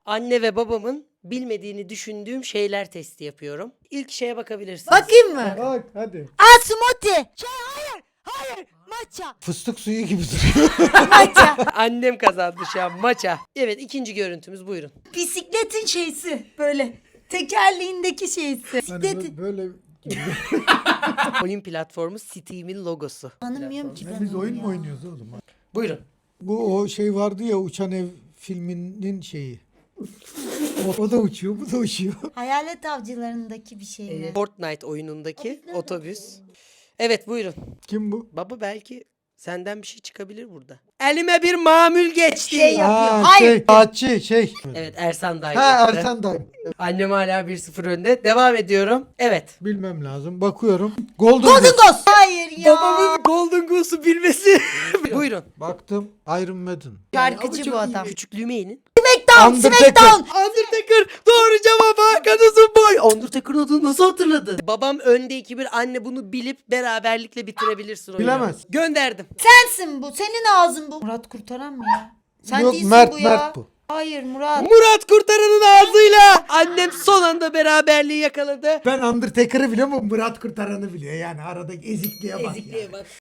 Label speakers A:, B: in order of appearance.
A: Anne ve babamın bilmediğini düşündüğüm şeyler testi yapıyorum. İlk şeye bakabilirsiniz.
B: Bakayım mı?
C: Bak hadi.
B: Aa, smoothie. Hayır. Matcha.
C: Fıstık suyu gibi duruyor.
B: Matcha.
A: Annem kazandı şu an maça. Evet, ikinci görüntümüz, buyurun.
B: Bisikletin şeysi böyle. Tekerleğindeki şeysi.
C: Hani
B: Bisikletin.
C: böyle
A: Oyun platformu Steam'in logosu.
B: Tanımıyorum ki ben
C: biz
B: onu
C: oyun
B: ya.
C: mu oynuyoruz oğlum?
A: Buyurun.
C: Bu o şey vardı ya, uçan ev filminin şeyi. O da uçuyor, bu da uçuyor.
B: Hayalet avcılarındaki bir şey mi?
A: Fortnite oyunundaki otobüs. Evet, buyurun.
C: Kim bu?
A: Baba, belki senden bir şey çıkabilir burada. Elime bir mamül geçti.
B: Şey yapıyor.
C: Aa,
B: Hayır.
C: Saatçi şey.
A: Evet, Ersan Dayı.
C: Ha, Ertan Dayı.
A: Annem hala 1-0 önde. Devam ediyorum. Evet.
C: Bilmem lazım. Bakıyorum. Golden
B: Golden
C: Goose.
B: Ghost. Hayır ya.
A: Babamın Golden Goose'u bilmesi. Buyurun.
C: Baktım. Iron Maiden.
B: Şarkıcı bu adam.
A: Küçüklüğüme inin.
B: Smackdown.
C: Undertaker.
A: Undertaker. Doğru cevap, Hakan'ın boy. Undertaker'ın adını nasıl hatırladın? Babam önde 2-1. Anne bunu bilip beraberlikle bitirebilirsin oyunu.
C: Bilemez.
A: Gönderdim.
B: Sensin bu. Senin ağzın bu. Murat Kurtaran mı ya? Sen
C: Yok,
B: değilsin
C: Mert,
B: bu ya.
C: Mert bu.
B: Hayır Murat.
A: Murat Kurtaran'ın ağzıyla. Annem son anda beraberliği yakaladı.
C: Ben Undertaker'ı biliyorum ama Murat Kurtaran'ı biliyor. Yani aradaki ezikliğe bak.
A: Ezikliğe bak.